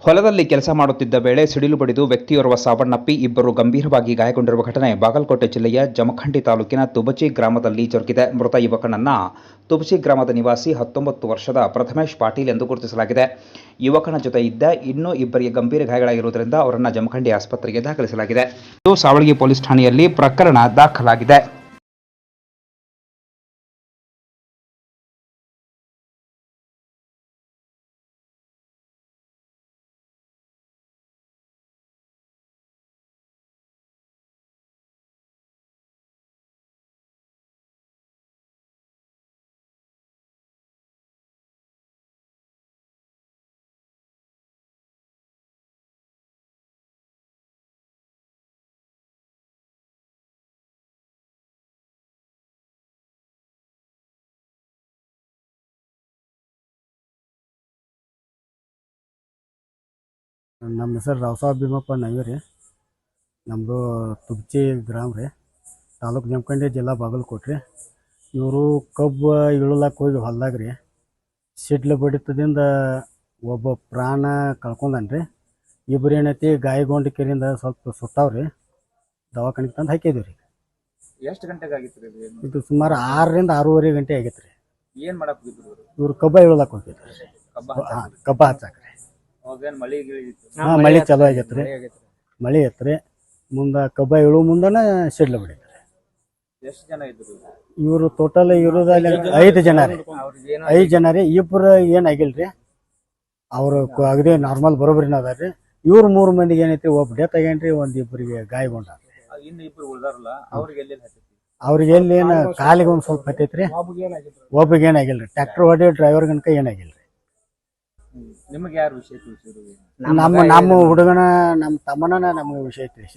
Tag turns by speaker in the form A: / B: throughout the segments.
A: ಹೊಲದಲ್ಲಿ ಕೆಲಸ ಮಾಡುತ್ತಿದ್ದ ವೇಳೆ ಸಿಡಿಲು ಬಡಿದು ವ್ಯಕ್ತಿಯೋರ್ವ ಸಾವನ್ನಪ್ಪಿ ಇಬ್ಬರು ಗಂಭೀರವಾಗಿ ಗಾಯಗೊಂಡಿರುವ ಘಟನೆ ಬಾಗಲಕೋಟೆ ಜಿಲ್ಲೆಯ ಜಮಖಂಡಿ ತಾಲೂಕಿನ ತುಬಚಿ ಗ್ರಾಮದಲ್ಲಿ ಜರುಗಿದೆ. ಮೃತ ಯುವಕನನ್ನ ತುಬಚಿ ಗ್ರಾಮದ ನಿವಾಸಿ 19 ವರ್ಷದ ಪ್ರಥಮೇಶ್ ಪಾಟೀಲ್ ಎಂದು ಗುರುತಿಸಲಾಗಿದೆ. ಯುವಕನ ಜೊತೆ ಇದ್ದ ಇನ್ನೂ ಇಬ್ಬರಿಗೆ ಗಂಭೀರ ಗಾಯಗಳಾಗಿರುವುದರಿಂದ ಅವರನ್ನು ಜಮಖಂಡಿ ಆಸ್ಪತ್ರೆಗೆ ದಾಖಲಿಸಲಾಗಿದೆ. ಸಾವಳಗಿ ಪೊಲೀಸ್ ಠಾಣೆಯಲ್ಲಿ ಪ್ರಕರಣ ದಾಖಲಾಗಿದೆ.
B: ನಮ್ಮ ಹೆಸರು ರಾವಸಾಬ್ ಭೀಮಪ್ಪ ನಯ್ಯರಿ. ನಮ್ಮದು ತುಬಚಿ ಗ್ರಾಮ ರೀ, ತಾಲೂಕು ಜಮಖಂಡಿ, ಜಿಲ್ಲಾ ಬಾಗಲಕೋಟೆ ರೀ. ಇವರು ಕಬ್ಬು ಇಳಲಕ್ಕೆ ಹೋಗಿ ಹೊಲ್ದಾಗ ರೀ ಸಿಡ್ಲು ಬಡಿತದಿಂದ ಒಬ್ಬ ಪ್ರಾಣ ಕಳ್ಕೊಂಡಾನ ರೀ. ಇಬ್ಬರು ಏನೈತಿ ಗಾಯಗೊಂಡು ಕೆರಿಂದ ಸ್ವಲ್ಪ ಸುಟ್ಟಾವ್ರಿ, ದವಾಖಾನಿಗೆ ತಂದು ಹಾಕಿದ್ವಿ ರೀ.
C: ಎಷ್ಟು ಗಂಟೆಗೆ ಆಗಿತ್ತು ರೀ
B: ಇದು ಸುಮಾರು 6ರಿಂದ 6:30 ಗಂಟೆ ಆಗಿತ್ತು ರೀ.
C: ಏನು ಮಾಡಕ್ಕೆ ಹೋಗಿದ್ರು
B: ಇವರು ಕಬ್ಬ ಇಳಲಕ್ಕೆ ಹೋಗಿದ್ರು ರೀ, ಕಬ್ಬ ಹಚ್ಚಾಕ ರೀ.
C: ಅವಾಗೇನು ಮಳೆ ಗಿಳಿತ್ತು?
B: ಮಳೆ ಚಲೋ ಆಗೈತೆ ರೀ, ಮಳೆ ಐತೆ ರೀ. ಮುಂದೆ ಕಬ್ಬ ಇಳು ಮುಂದನ ಸಿಡ್ಲು ಬಿಡಿದ್ರು.
C: ಎಷ್ಟು ಜನ ಇದ್ರು
B: ಇವರು ಟೋಟಲ್ ಇರೋದಲ್ಲಿ 5 ಜನ ರೀ. 5 ಜನ ರೀ. ಇಬ್ಬರು ಏನಾಗಿಲ್ಲ ರೀ, ಅವರು ಅಗದಿ ನಾರ್ಮಲ್ ಬರೋಬ್ಬರಿನ ಅದಾರ ರೀ. ಇವ್ರು 3 ಮಂದಿಗೆ ಏನೈತಿ, ಒಬ್ಬ ಡೆತ್ ಆಗ್ಯಾನ್ರಿ, ಇಬ್ಬರಿಗೆ ಗಾಯಗೊಂಡ.
C: ಇನ್ನು ಇಬ್ರು ಉಳ್ದಾರಲ್ಲ, ಅವ್ರಿಗೆ ಎಲ್ಲಿ ಹತ್ತೈತಿ?
B: ಅವ್ರಿಗೆ ಎಲ್ಲಿ ಏನು ಕಾಲಿಗೆ ಒಂದು ಸ್ವಲ್ಪ ಹತ್ತೈತ್ರಿ, ಒಬ್ಬಗೆ ಏನಾಗಿಲ್ಲ ರೀ. ಟ್ರ್ಯಾಕ್ಟರ್ ಹೊಡಿ ಡ್ರೈವರ್ ಗನಕ ಏನಾಗಿಲ್ಲ ರೀ.
C: ನಿಮಗೆ ಯಾರು ವಿಷಯ ತಿಳಿಸಿದ್ರು?
B: ನಮ್ಮ ಹುಡುಗನ, ನಮ್ಮ ತಮ್ಮನ ನಮ್ಗೆ ವಿಷಯ ತಿಳಿಸಿ.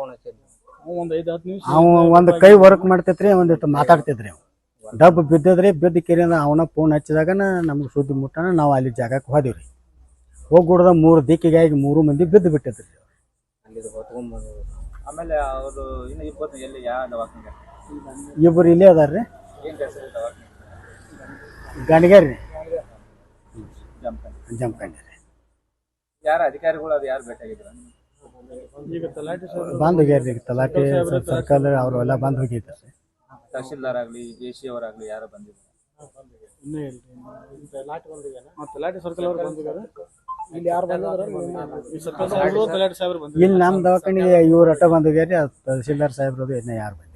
B: ಅವ ಒಂದು ಕೈ ವರ್ಕ್ ಮಾಡ್ತೈತ್ರಿ, ಒಂದಿಟ್ಟು ಮಾತಾಡ್ತಿದ್ರಿ. ಅವ್ ಡಬ್ ಬಿದ್ದದ್ರಿ, ಬಿದ್ದ ಕೆರೆಯಿಂದ ಅವನ ಫೋನ್ ಹಚ್ಚಿದಾಗ ನಮ್ಗೆ ಸುದ್ದಿ ಮುಟ್ಟನ. ನಾವು ಅಲ್ಲಿ ಜಾಗಕ್ಕೆ ಹೋದಿವ್ರಿ. ಹೋಗ್ಬಿಡ್ದ 3 ದಿಕ್ಕಿಗಾಗಿ 3 ಮಂದಿ ಬಿದ್ದು ಬಿಟ್ಟಿದ್ರಿ.
C: ಆಮೇಲೆ ಅವರು ಇನ್ನು ಇಬ್ಬರು ಎಲ್ಲಿ ಯಾವ ದವಾಖಾನೆ?
B: ಇಬ್ಬರು ಇಲ್ಲೇ ಅದಾರ್ರಿ,
C: ಏನು ಕೆಲಸ ದವಾಖಾನೆ?
B: ಗಣಿಗೇರಿ ಜಮಖಂಡಿ ರೀ.
C: ಯಾರು ಅಧಿಕಾರಿಗಳು ಅದು ಯಾರು ಬೇಕಾಗಿದ್ರ?
B: ಬಂದ್ ಹೋಗ್ಯಾರ್ರಿ, ತಲಾಟೆ ಸರ್ಕಲ್ ಅವರು ಎಲ್ಲ ಬಂದ್ ಹೋಗಿದ್ದಾರೆ.
C: ತಹಶೀಲ್ದಾರ್ ಆಗಲಿ, ಎಸಿ ಅವರಾಗಲಿ ಯಾರು ಬಂದಿದ್ರು?
B: ಇಲ್ಲಿ ನಮ್ಮ ದವಾಖಾನಿಗೆ ಇವ್ರು ಅಟ್ಟ ಬಂದ್ ಹೋಗ್ಯಾರಿ, ತಹಶೀಲ್ದಾರ್ ಸಾಹೇಬ್ರದು ಇನ್ನೂ ಯಾರು ಬಂದಿಲ್ಲ.